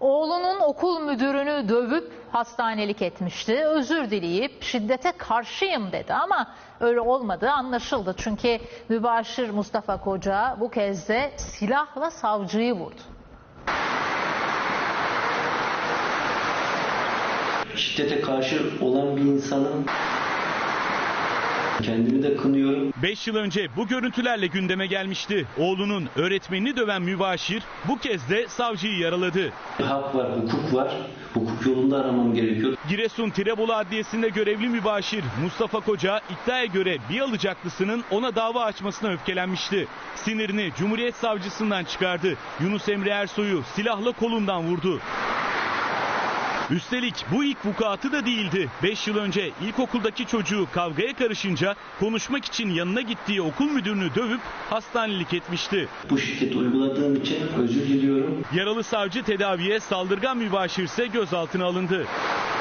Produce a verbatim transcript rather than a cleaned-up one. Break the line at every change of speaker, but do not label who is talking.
Oğlunun okul müdürünü dövüp hastanelik etmişti. Özür dileyip şiddete karşıyım dedi ama öyle olmadığı anlaşıldı. Çünkü mübaşir Mustafa Koca bu kez de silahla savcıyı vurdu.
Şiddete karşı olan bir insanın kendimi de kınıyorum.
beş yıl önce bu görüntülerle gündeme gelmişti. Oğlunun öğretmenini döven mübaşir bu kez de savcıyı yaraladı.
Hak var, hukuk var. Hukuk yolunda aramam gerekiyor.
Giresun Tirebolu Adliyesi'nde görevli mübaşir Mustafa Koca iddiaya göre bir alıcaklısının ona dava açmasına öfkelenmişti. Sinirini Cumhuriyet Savcısından çıkardı. Yunus Emre Ersoy'u silahla kolundan vurdu. Üstelik bu ilk vukuatı da değildi. beş yıl önce ilkokuldaki çocuğu kavgaya karışınca konuşmak için yanına gittiği okul müdürünü dövüp hastanelik etmişti.
Bu şiddeti uyguladığım için özür diliyorum.
Yaralı savcı tedaviye, saldırgan mübaşir ise gözaltına alındı.